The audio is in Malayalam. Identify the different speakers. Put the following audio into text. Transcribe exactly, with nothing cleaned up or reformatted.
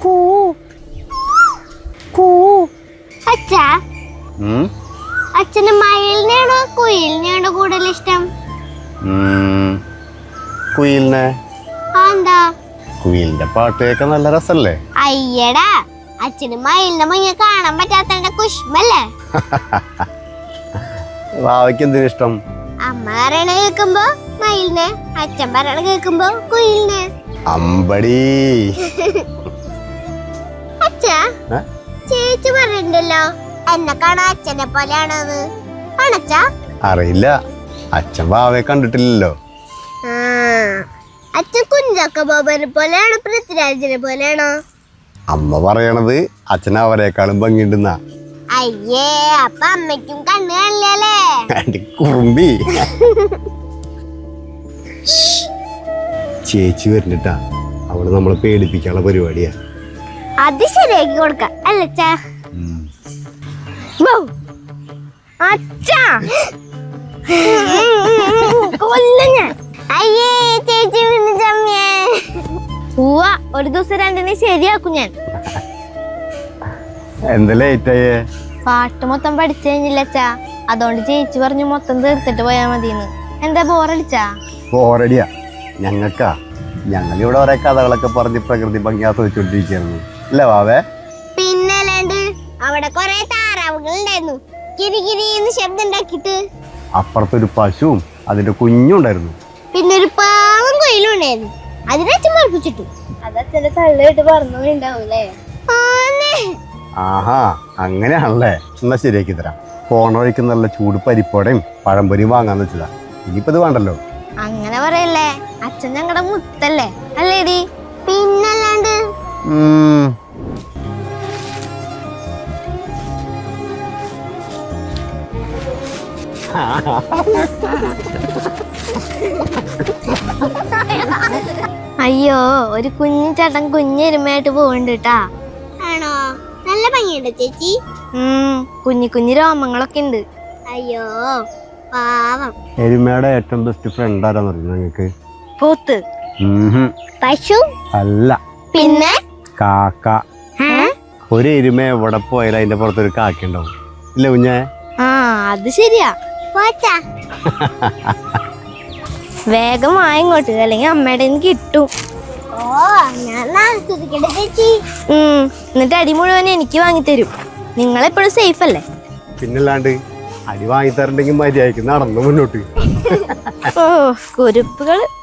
Speaker 1: കൂ കൂ അച്ഛാ അച്ഛന് മയിലിനെയാണോ കുയിലിനെയാണോ കൂടുതൽ ഇഷ്ടം?
Speaker 2: കുയിലിനെ.
Speaker 1: എന്താ?
Speaker 2: കുയിലിന്റെ പാട്ട് കേൾക്കാൻ നല്ല രസല്ലേ?
Speaker 1: അയ്യടാ, അച്ഛന് മയിലിനെ മുങ്ങ കാണാൻ പറ്റാത്തതിന്റെ കുഷ്മല്ലേ?
Speaker 2: വാവയ്ക്ക് എന്തിനു ഇഷ്ടം?
Speaker 1: അമ്മ പറയണ കേൾക്കുമ്പോ മയിലിനെ, അച്ഛൻ പറയണ കേൾക്കുമ്പോ കുയിലിനെ.
Speaker 2: അമ്പടി.
Speaker 1: അച്ഛാ, ചേച്ചി പറഞ്ഞിട്ടുണ്ടല്ലോ എന്നെ കാണാൻ അച്ഛനെ പോലെയാണെന്ന്. ആണച്ചാ?
Speaker 2: അറിയില്ല, അച്ഛൻ വാവയെ കണ്ടിട്ടില്ലല്ലോ.
Speaker 1: അച്ഛൻ കുഞ്ചാക്ക ബോബനെ പോലെയാണോ പൃഥ്വിരാജിനെ പോലെയാണോ?
Speaker 2: അമ്മ പറയണത് അച്ഛൻ അവരെക്കാളും ഭംഗിണ്ടെന്നാ.
Speaker 1: അയ്യേ, അപ്പൊ അമ്മയ്ക്കും കണ്ണ് കാണില്ലല്ലേ?
Speaker 2: കുറുമ്പി. ചേച്ചി വരുന്നിട്ടാ, അവള് നമ്മളെ പേടിപ്പിക്കാനുള്ള പരിപാടിയാ.
Speaker 1: അത് ശരിയാക്കി കൊടുക്കാം അല്ലച്ചാ? അച്ഛാ, അയ്യേ ചേച്ചി പോവാ, ഒരു ദിവസം രണ്ടിനെ ശരിയാക്കും ഞാൻ.
Speaker 2: എന്താ ലേറ്റായേ?
Speaker 1: പാട്ട് മൊത്തം പഠിച്ചു കഴിഞ്ഞില്ലച്ചാ, അതുകൊണ്ട് ചേച്ചി പറഞ്ഞു മൊത്തം തീർത്തിട്ട് പോയാ മതിന്ന്. എന്താ ബോറടിച്ചാ?
Speaker 2: ബോറടിയാ ഞങ്ങൾക്കാ. ഞങ്ങളിവിടെ ഓരോ കഥകളൊക്കെ പറഞ്ഞ് പ്രകൃതി ഭംഗി ആസ്വദിച്ചോണ്ടിരിക്കുന്നു അല്ലേ വാവേ?
Speaker 1: പിന്നല്ലാണ്ട് അവിടെ കൊറേ താറാവുകൾ ഉണ്ടായിരുന്നു, കിരികിരിന്ന് ശബ്ദം ഉണ്ടാക്കിട്ട്.
Speaker 2: അപ്പുറത്തൊരു പശുവും അതിന്റെ കുഞ്ഞും ഉണ്ടായിരുന്നു.
Speaker 1: പിന്നെ ഒരു പാവം കൊയിലും ഉണ്ടായിരുന്നു, അതിനച്ഛൻ പഠിപ്പിച്ചിട്ടു. അതച്ഛന്റെ തള്ളിട്ട് പറഞ്ഞുണ്ടാവൂലേ?
Speaker 2: ആഹാ, അങ്ങനെയാണല്ലേ. എന്നാ ശരിയാക്കി തരാം. പോണ വഴിക്ക് നല്ല ചൂട് പരിപ്പോടെയും പഴംപൊരിയും വാങ്ങാന്ന് വെച്ചതാ. ഇനിയിപ്പത് വേണ്ടല്ലോ.
Speaker 1: അങ്ങനെ പറയല്ലേ, അച്ഛൻ ഞങ്ങളുടെ മുത്തല്ലേ അല്ലേടി? പിന്നല്ലാണ്ട്. അയ്യോ, ഒരു കുഞ്ഞു ചേട്ടൻ കുഞ്ഞെരുമയായിട്ട് പോവുന്നുണ്ട് കേട്ടാ. ആണോ? നല്ല ഭംഗിയുണ്ട് ചേച്ചി. ഉം കുഞ്ഞു കുഞ്ഞു രോമങ്ങളൊക്കെ ഉണ്ട്. അയ്യോ പാവം.
Speaker 2: എരുമയുടെ ഏറ്റവും ബെസ്റ്റ് ഫ്രണ്ട് ആരാന്ന് അറിയോ നിങ്ങൾക്ക്?
Speaker 1: പോത്ത്. പശു
Speaker 2: അല്ല,
Speaker 1: പിന്നെ
Speaker 2: കാക്ക. ഒരു എരുമ എവിടെ പോയാലും അതിന്റെ പുറത്തൊരു കാക്ക ഉണ്ടാവും ഇല്ല കുഞ്ഞേ?
Speaker 1: ആ, അത് ശരിയാ. വേഗം വായിങ്ങോട്ട്, അല്ലെങ്കിൽ അമ്മയുടെ കിട്ടും. എന്നിട്ട് അടി മുഴുവൻ എനിക്ക് വാങ്ങിത്തരും. നിങ്ങളെപ്പോഴും സേഫ് അല്ലേ?
Speaker 2: പിന്നല്ലാണ്ട്. അടി വാങ്ങിത്തരണ്ടെങ്കിൽ മര്യാദയ്ക്ക് നടന്നു മുന്നോട്ട്.
Speaker 1: ഓ കുരുപ്പുകള്.